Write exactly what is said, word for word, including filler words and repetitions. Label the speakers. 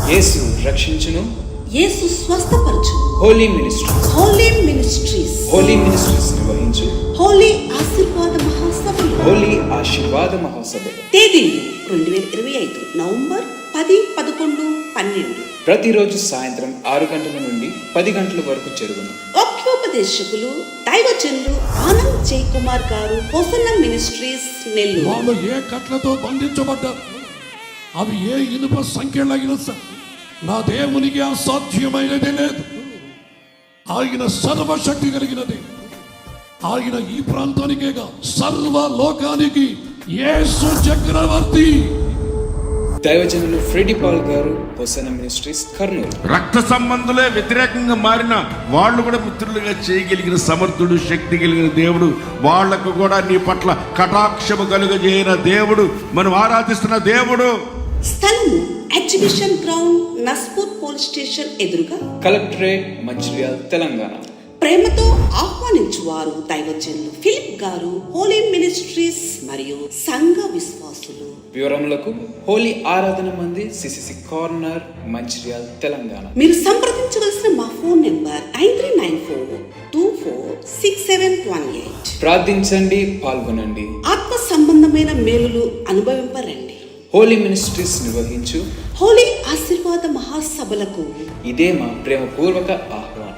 Speaker 1: యేసు రక్షించును,
Speaker 2: యేసు స్వస్థపరచును.
Speaker 1: Holy ministries
Speaker 2: holy ministries
Speaker 1: holy ministries నిర్వహించు
Speaker 2: హోలీ ఆశీర్వాద మహాసభలు.
Speaker 1: హోలీ ఆశీర్వాద మహాసభలు
Speaker 2: తేదీలు రెండు వేల ఇరవై ఐదు నవంబర్ పది పదకొండు పన్నెండు.
Speaker 1: ప్రతిరోజు సాయంత్రం ఆరు గంటల నుండి పది గంటల వరకు జరుగును.
Speaker 2: వాక్యోపదేశకులు దైవజనులు ఆనంద్ జై కుమార్ గారు, హోసన్న మినిస్ట్రీస్ నెల్లూరు.
Speaker 3: వాళ్ళు ఏ కట్లతో బంధించబడ్డారు, అవి ఏ ఇనుప సంఖ్యలైన నా దేవునికి అసాధ్యమైనది లేదు. ఆయన సర్వశక్తి కలిగినది. ఆయన ఈ ప్రాంతానికేగా సర్వ లోకానికి యేసు చక్రవర్తి.
Speaker 1: దైవజనులు ఫ్రెడీ పాల్ గారు, హోసన్న మినిస్ట్రీస్ కర్నూలు.
Speaker 4: రక్త సంబంధులే వ్యతిరేకంగా మారిన వాళ్ళు కూడా మిత్రులుగా చేయగలిగిన సమర్థుడు, శక్తి కలిగిన దేవుడు. వాళ్లకు కూడా నీ పట్ల కటాక్షము కలుగజేయన దేవుడు, మనం ఆరాధిస్తున్న దేవుడు.
Speaker 2: స్థలము exhibition ground, Naspur police station ఎదురుగా,
Speaker 1: కలెక్టరేట్, మంచిర్యాల, తెలంగాణ.
Speaker 2: ప్రేమతో ఆహ్వానించువారు దైవజనులు ఫిలిప్ గారు, హోలీ మినిస్ట్రీస్ మరియు సంఘ విశ్వాసులు.
Speaker 1: వివరములకు హోలీ ఆరాధన మంది, సిసిసి కార్నర్, మంచిర్యాల, తెలంగాణ.
Speaker 2: మీరు సంప్రదించవలసిన మా phone number nine three nine four two four six seven one eight.
Speaker 1: ప్రార్థించండి, పాల్గొనండి,
Speaker 2: ఆత్మ సంబంధమైన మేలులు అనుభవింపరండి.
Speaker 1: హోలీ మినిస్ట్రీస్ నిర్వహించు
Speaker 2: హోలీ ఆశీర్వాద మహాసభలకు
Speaker 1: ఇదే మా ప్రేమపూర్వక ఆహ్వానం.